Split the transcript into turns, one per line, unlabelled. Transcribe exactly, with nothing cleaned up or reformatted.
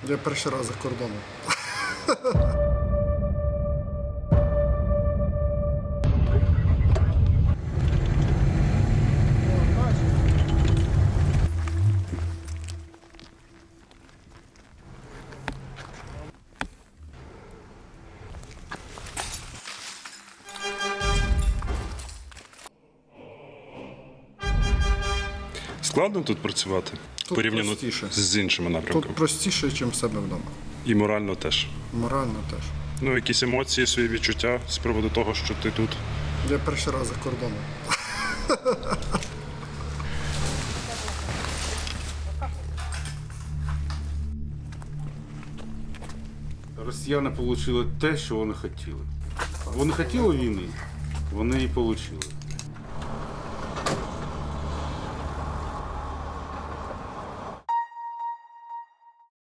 Я перший раз за кордоном.
Складно тут працювати
Тут
порівняно
простіше.
з іншими напрямками.
Тут простіше, ніж в себе вдома.
І морально теж.
Морально теж.
Ну, якісь емоції, свої відчуття з приводу того, що ти тут.
Я перший раз за кордоном.
Росіяни отримали те, що вони хотіли. Вони хотіли війни, вони її отримали.